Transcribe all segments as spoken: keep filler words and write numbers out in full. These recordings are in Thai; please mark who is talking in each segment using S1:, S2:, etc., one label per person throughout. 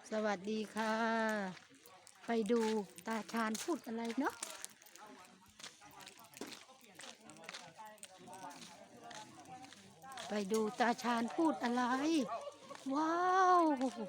S1: สวัสดีค่ะ ไปดูตาชาญพูดอะไรเนาะไปดูตาชาญพูดอะไร ว้าว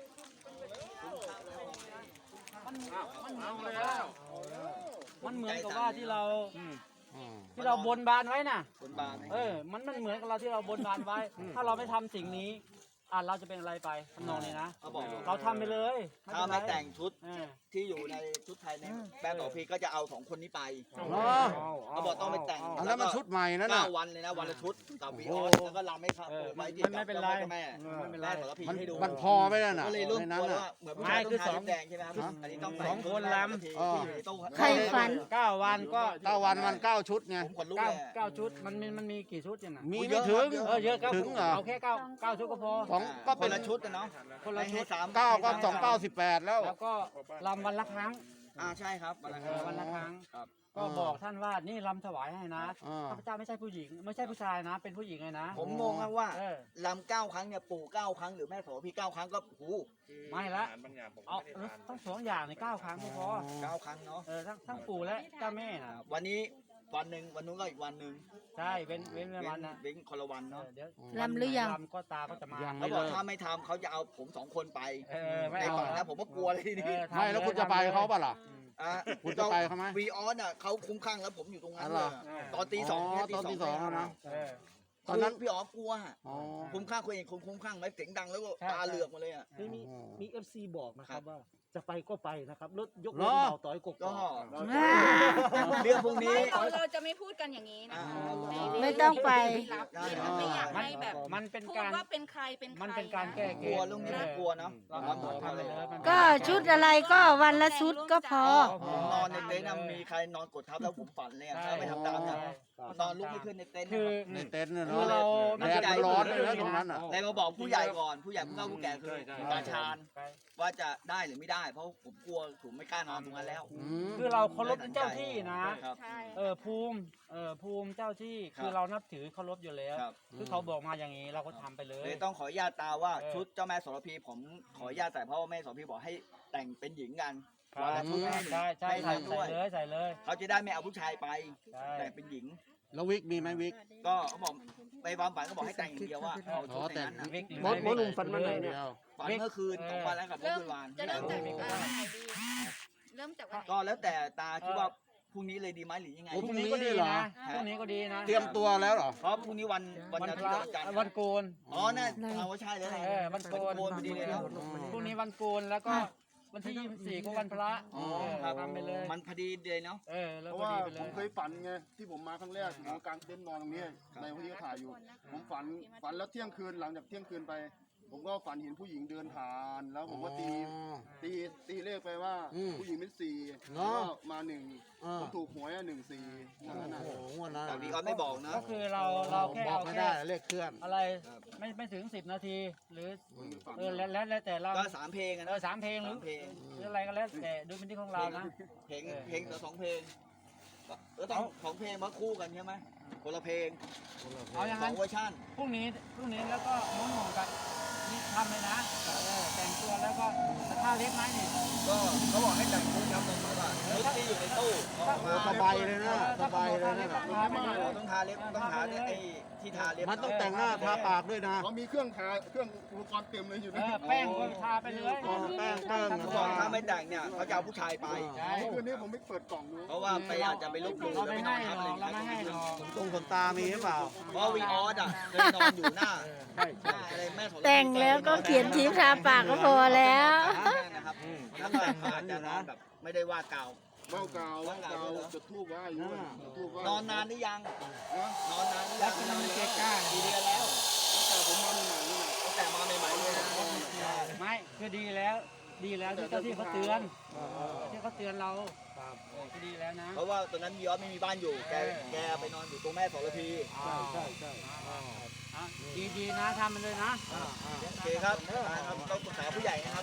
S2: มันเหมือนกับว่าที่เราที่เราบนบานไว้น่ะเออมันมันเหมือนกับเราที่เราบนบานไว้ ถ้าเราไม่ทำสิ่งนี้อ่ะเราจะเป็นอะไรไปทำนองนี้นะเราทำไปเลย
S3: ถ้าไม่แต่งชุดที่อยู่ในชุดไทยในแบรนด์ต่อพีก็จะเอาสองคนนี้ไปเขาบอกต้องไปแต่ง
S4: แล้วมันชุดใหม่นั่นน่ะ
S3: เก้าวันเลยนะวันละชุดกับวีออสแล้วก็รำให้เขาไว้ที่กับแม่แม่แม่ต่อพีให้ดู
S4: มันพอไหมนั่นน่ะ
S3: ก็เลยร่วม
S4: ใน
S3: ก
S4: นั้น
S3: ลัว
S4: น่ะ
S3: ว่าเหมือนผู้ชายต้องทาแดงใช่ไหมครับอันนี้ต้องสองคนรำที่อยู่ในตู้
S1: ใครฝัน
S2: เก้าวันก็
S4: เก้าวันมันเก้าชุดไง
S3: ผมขนลุก
S2: เก้า
S3: เลย
S2: เก้าชุดมันมีมันมีกี่ชุดเนี่ยนะ
S4: มีไม่ถึง
S2: เออเยอะเก้า
S4: ถึงเหรอ
S2: เอาแค่เก้าเก้าชุดก็พอ
S4: สองก็
S3: ค
S4: เป็น
S3: นละชุดนะเนาะ
S2: คนละชุด
S3: สาม
S4: เก้าก็สองเก้าสิบแปดแล้ว
S2: แล้วก็รำวันละครั้ง
S3: อ่าใช่ครับวันละ
S2: เออวันละครั้ง
S3: ครับ
S2: ก็บอกท่านว่านี่รำถวายให้นะ
S4: อ่า
S2: ข้าพเจ้าไม่ใช่ผู้หญิง ไม่ใช่ผู้ชายนะ เป็นผู้หญิงเลยนะ
S3: ผมงงครับว่า
S2: เออ
S3: ลำเก้าครั้งเนี่ยปู่เก้าครั้งหรือแม่โสพีเก้าครั้งก็โอ้
S2: ไม่ละเอาต้องสองอย่างในเก้าครั้งไม่พอ
S3: เก้าครั้งเนาะ
S2: เออทั้งทั้งปู่และเจ้าแม่นะ
S3: วันนี้วันหนึ่งวันนู้นก็อีกวันหนึ่ง
S2: ใช่เว้นเว้น
S3: เว้
S2: วัน
S3: น
S2: นะ
S3: เว้นคนละวัน
S2: เอ
S3: เนาะ
S2: อเดี๋ยว
S1: รำหรือยัง
S2: รำก็ตาก็จะมา
S4: ยัง
S3: เขาบอกถ้าไม่ทำเขาจะเอาผมสองคนไป
S2: เออไม่
S3: ใน
S2: เอา
S3: ก่อนนะผมก็กลัวเลยที
S2: เอ
S3: นี้
S2: อทำ
S4: ไม่แล้วคุณจะไปเขาเปล่าล่ะ
S3: อ่ะ
S4: คุณจะไปเขาไหม
S3: วีออสอ่ะเขาคุ้มข้างแล้วผมอยู่ตรงนั้น
S4: อ๋อ
S3: เล
S4: เหรอ
S3: ยตอนตีสองเนี่ย
S4: ตอนตีสองแล้วนะ
S2: เออ
S3: ตอนนั้นพี่อ๋อกลัว
S4: อ๋อ
S3: คุ้มข้างคนเองคงคุ้มข้างไหมเสียงดังแล้วก็
S2: ใช่
S3: ตาเหลือกมาเลยอ่ะ
S5: มีมีมีเอฟซีบอกนะค
S3: ครั
S5: รับบ ว่าจะไปก็ไปนะครับรถยก
S4: เหร
S5: ร
S4: อ
S5: ถเบาต่อยกบ
S3: ก็
S1: อ่า
S3: เรื่องพวกนี้
S6: เราเราจะไม่พูดกันอย่างนี้นะ
S1: ไม่ต้องไป
S6: ไม่อยากให้แบบ
S2: มันเป็น
S6: พูด
S2: การ
S6: ว่าเป็นใครเป็นใคร
S2: มันเป็นการแก้เก
S3: กลัว
S2: ม
S3: เรื่องนี้น่ากลัวเนาะ
S2: เรา
S3: เรา
S2: ทำ
S3: ทำ
S2: ทำไป
S3: เลย
S2: เลยมัน
S1: ก็ชุดอะไรก็วันละชุดก็พอ
S3: ผมนอนในเต็นท์นะมีใครนอนกดทับแล้วผมฝันเลยอะถ้าไม่ทำตามนะนอนลุกไม่ขึ้นในเต็นท์
S2: คือ
S4: ในเต็นท์น่ะ
S2: คือ
S4: เนาะ
S2: เรา
S4: แดดมันร้อนเลยนะตรงนั้นอ่ะ
S3: เลยมาบอกผู้ใหญ่ก่อนผู้ใหญ่ผู้เฒ่าผู้แก่คือตาชาญว่าจะได้หรือไม่ได้ เพราะผมกลัวผมไม่กล้านอนตรงนั้นแล้ว
S4: อืม
S2: คือเราเคารพเจ้าที่นะ
S3: ครับ
S6: ใช่
S2: เออภูมิเออภูมิเจ้าที่
S3: ครับ
S2: คือเรานับถือเคารพอยู่แล้ว
S3: ครับ
S2: คือเขาบอกมาอย่างนี้เราก็ทำไปเลย
S3: เลยต้องขออนุญาตตาว่า
S2: เออ
S3: ชุดเจ้าแม่โสระพีผมขออนุญาตใส่เพราะว่าแม่โสระพีบอกให้แต่งเป็นหญิงกัน
S2: ครับ
S3: วันละชุดให้
S2: ใช่ใช่
S3: ให้
S2: ใส่
S3: ทำด้วย
S2: เลยใส่เลย
S3: เขาจะได้ไม่เอาผู้ชายไป
S2: ใช่
S3: แต่งเป็นหญิง
S4: แล้ววิกมีไหมวิก
S3: ก็เขาบอกไปความฝันก็บอกให้แต่งอย่างเดียวว่าเอาชุดในนั้นนะ
S2: วิก
S5: มดมดลุงฟันมาไหนเนี่ย
S4: เดียว
S3: ฝันเมื่อคืนสองวันแล้วกับเมื่อ
S6: เริ่ม
S3: คืนวาน
S6: จะเริ่มจาก
S2: ไม่
S6: เอ่
S2: ได้
S6: อวันไหนดีเริ่มจากวันไหน
S3: ก็แล้วแต่ตาคิดว่าพรุ่งนี้เลยดีไหมหรือยังไง
S4: โอ้
S2: พรุ่งนี้ก็ดีนะพรุ่งนี้ก็ดีนะ
S4: เตรียมตัวแล้วเหรอ
S3: เพราะพรุ่งนี้วันวัน
S2: วัน
S3: อา
S2: พ
S3: ทิต
S2: ระ
S3: ย์วันจันทร์
S2: วันโกน
S3: อ๋อน่าเอาว่าใช่เลย
S2: เออวันโกน
S3: โกนพอดีเลยเนาะ
S2: พรุ่งนี้วันโกนแล้วก็วันที่ยี่สิบสี่ก็วันพระ
S3: อ๋อ
S2: เออ
S3: ครับ
S2: ทำไปเลย
S3: มันพอดีเลยเนาะ
S2: เออแล้ว
S7: เพราะ
S2: ก็
S7: ว่า
S2: ดีไปเล
S7: ผม
S2: ย
S7: เคยฝันไงที่ผมมาครั้งแรกผมกางเต็นท์นอนตรงนี้ในวันที่เขาถ่ายอยู่ ผมฝันฝันแล้วเที่ยงคืนหลังจากเที่ยงคืนไป ผมก็ฝันเห็นผู้หญิงเดินผ่าน แล้วผมก็ตีตีตีเลขไปว่า
S4: อืม
S7: ผู้หญิงเป็นสี่
S4: เนอะ
S7: แล้วก็มาหนึ่ง
S4: อ่า
S7: ผมถูกหวยอ่ะหนึ่งสี่นั่นน่ะ
S4: โอ้โหงวดนั้น
S3: แต่
S4: อะ
S3: วีออสไม่บอกนะ
S2: ก็คือเราเราแค่
S4: บอก
S2: เอา
S4: ไม่
S2: แค่
S4: ได้เลขเคลื่อน
S2: อะไรไม่ไม่ถึงสิบนาที หรือ
S7: ฝัน
S2: เออแล้วแล้วแล้วแต่เรา
S3: ก็สามเพลงอะ
S2: เอ
S3: นะ
S2: อสามเพลงหรือ
S3: สามเพลง
S2: หรืออะไรก็แล้วแต่ดูเป็นที่ของเรานะ
S3: เพลงเพลงละสองเพลงก็ต้องของเพลงมาคู่กันใช่ไหมคนละเพลง
S2: เอาอย่าง
S3: สอ
S2: นั้น
S3: งเวอร์ชัน
S2: พรุ่งนี้พรุ่งนี้แล้วก็ม้วนหมองกันนี่ทำเลยนะเออแต่งตัวแล้วก็ท่าเล็บไหมนี่
S3: ก็เขาบอกให้แต่งชุดครับตรงนี้ว่าชุดที่อยู่ในตู้เอาออก
S4: โอ้
S3: มา
S4: สบายเลยนะสบายเลยนะ
S3: ต้องทาเล็บต้องทาเนี่ยไอ้ที่ทาเล็บ
S4: มันต้องแต่งหน้าทาปากด้วยนะ
S7: เขามีเครื่องทาเครื่องอุปกรณ์เต็มเลยอยู่
S2: เอ
S7: นะ
S2: อแป้งก็ทาไปเลย
S4: อ๋อแป้งแป้ง
S3: เขาบอกถ้าไม่แต่งเนี่ยเขาจะเอาผู้ชายไป
S2: ใช่
S7: เมื่อคืนนี้ผมไม่เปิดกล่องดู
S3: เพราะว่าไปอาจจะไปลบหลู่
S2: เรา
S3: แล้ว
S2: ไม่
S3: ไปนอ
S2: ให้
S3: นทับ
S2: หร
S3: อะไร
S2: อก
S3: อย่าง
S2: เราไม่
S3: เงี้
S2: ให้
S3: ย
S2: หรอก
S4: ตรงขนตามีหรือเปล่า
S3: เพราะวีออสอ่ะเคยนอนอยู่หน้าหน้าอะไรแม่โสระพี
S1: แต่งแล้วก็เขียนทิปทาปากก็พอแล้ว
S3: นะครับแล้วก็อาจจะนอนแบบไม่ได้ว่ากล่าว
S7: เบ้ากาวเบ้ากาวจุดทูบไหว้อยู่อะจุดธูปไหว้
S3: นอนนานหรือยัง
S7: นะ
S3: นอนนานหรือ
S2: แล้
S3: ยั
S2: ว
S3: ง
S2: กินมันเกก้า
S3: กี่เดือนแล้ว
S7: แต่ผมมาใหม่ๆนี่แหละ
S3: ตั้งแต่มาใหม่ๆเลยนะ
S2: ไม่คือดีแล้ว ดีแล้วที่เจ้าที่เขาเตือนที่เขาเตือนเราเออก็ดีแล้วนะ
S3: เพราะว่าตอนนั้นวีออสไม่มีบ้านอยู่ แกแกไปนอนอยู่ตรงแม่โสระพี
S7: ใช่ใช่ใช่
S2: อ่ะดีๆนะทำมันเลยนะ
S3: โอเคครับครับต้องปรึกษาผู้ใหญ่นะครับ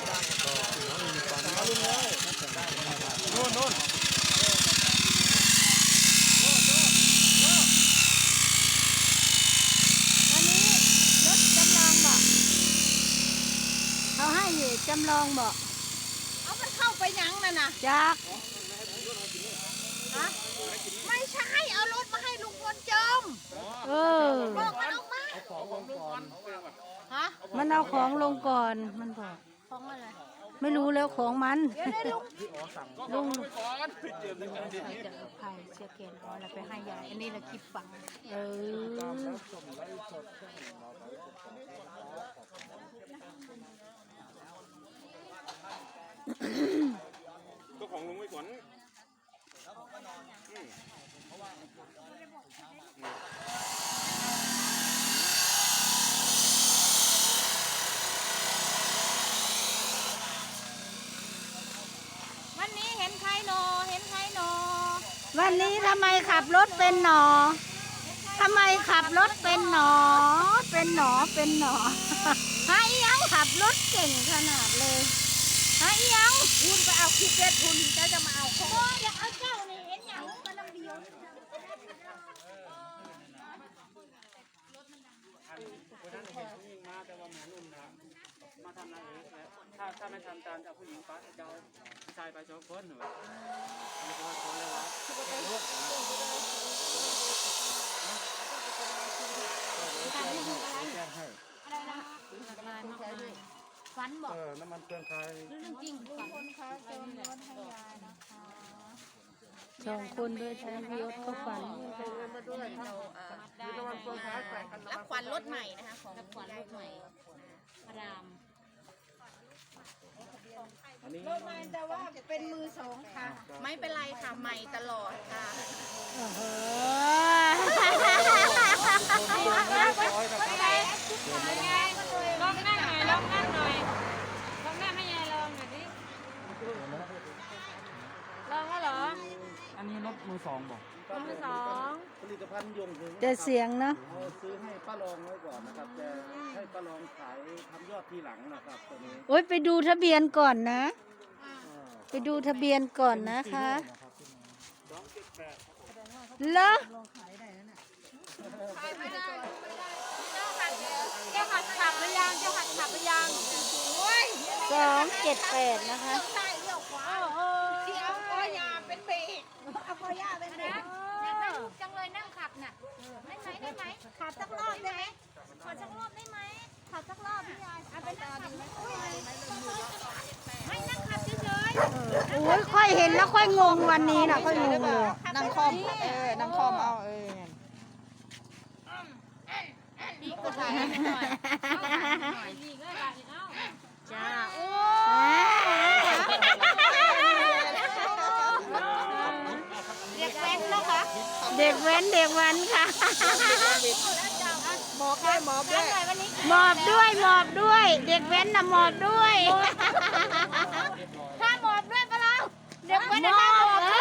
S2: นู่นนู่น
S1: อันนี้รถจำลองบอกเขาให้อยู่จำลองบอก
S6: เอามันเข้าไปยังนั่นน่ะ
S1: จัก
S6: ฮะไม่ใช่เอารถมาให้ลุงพลเจิม
S1: เออ
S6: บอกมันออกมาฮะ
S1: มันเอาของลงก่อนมันบอก
S6: ของอะไร
S1: ไม่รู้แล้วของมัน
S6: เดี๋ยวได้ลุง
S1: ลุง
S6: จะเอาไข่เชือกแขนอ่อนแล้วไปให้ยายอันนี้ละคลิปฝัง
S1: เออ
S8: ก็ของลุงไว้ก่อน
S6: วันนี้เห็นใครโนเห็นใครโน
S1: วันนี้ทำไมขับรถเป็นหนอทำไมขับรถเป็นหนอ เป็นหนอเป็นหนอ หาอีหยังขับรถเก่งขนาดเลยหาอีหยัง
S6: คุณไปเอาคลิปเด็ดคุณเจ้าจะมาเอาของอยากเอาเจ้านี่เห็นอย่างมันลำเดียว
S2: คนนั้นเห็นผู้หญิงมาแต่ว่าหมอนุ่มนะมาทำอะไรเองถ้าถ้าไม่ทำตามจะผู้หญิงป้าจะเอาผู้ชายไปสองคนหนูมีคนคนเลยวะ
S6: ฝันบอก
S4: เออน้ำมันเครื่องใช้
S6: เรื่องจริงฝันคนค้าเจิมรถให้ยายนะคะ
S1: สองคนด้วยใช้พิยศเขาฝัน
S6: รับขวัญรถใหม่นะคะของรับขวัญรถใหม่พระรามรถใหม่แต่ว่าเป็นมือสองค่ะ ไม่เป็นไรค่ะใหม่ตลอดค่ะ
S1: โอ้โห
S6: ลองนั่งหน่อยลองนั่งหน่อยลองนั่งให้ยายลองหน่อยดิลองแล้วเหรอ
S2: อันนี้รถมือสองบอก
S6: มือสอง
S5: ผลิตภัณฑ์ยงถึง
S1: แต่เสียงเนาะ
S5: เอาซื้อให้ป้ารองไว้ก่อนนะครับแต่ให้ป้ารองขายทำยอดทีหลังนะครับตัวนี้
S1: โอ๊ยไปดูทะเบียนก่อนนะ ไปดูทะเบียนก่อนนะคะเหรอ
S6: ขายไม่ได้เจ้าหัดขับหรือยังเจ้าหัดขับหรือยังโอ้ย
S1: สองเจ็ดแปดนะคะ
S6: ใช่เลี้ยวขวาที่เอาคอยาเป็นเบรกเอาคอยาเป็นเบรกอยากนั่งจังเลยนั่งขับน่ะได้ไหมได้ไหมขับสักรอบได้ไหมขอสักรอบได้ไหมขับสักรอบพี่ยายเอาไปนั่งขับไม่นั่งขับเฉย
S1: โอ้ยค่อยเห็นแล้วค่อยงงวันนี้นะค่อยงงเลย
S6: ๆนั่งคอมเออนั่งคอมเอาเออนี่ก็ถ่ายให้หน่อยนี่ก็ถ่ายเอาจ้าโอ้เด็กแว้นนะคะ
S1: เด็กแว้นเด็กแว้นค่ะ
S6: หมอบด้วยหมอบด้วยวันนี้
S1: หมอบด้วยหมอบด้วย เด็กแว้นน่ะหมอบด้วย
S6: ถ้าหมอบด้วยปะเราเด็กแว้น
S1: หม
S6: ถ้าหม
S1: อ
S6: อ
S1: บบ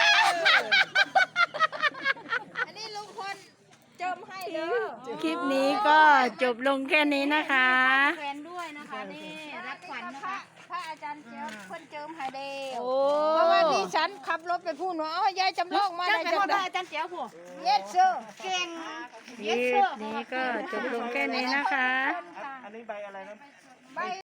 S6: อันนี้ลุงพลเจิมให้เด้อ
S1: คลิปนี้ก็จบลงแค่นี้นะคะ
S6: แฟนด้วยนะคะนี่รับขวัญนะคะพระอาจารย์เจิมเพิ่นเจิมให้เด้อ
S1: โอ้
S6: เพราะว่าดิฉันขับรถไปพูดว่าอ๋อยายจำลองมาได้จังได้อาจารย์เจียวผู้เย็ดเซอร์เก่ง
S1: คลิปนี้ก็จบลงแค่นี้นะคะ
S5: อันนี้ใบอะไรนะ
S6: ใบ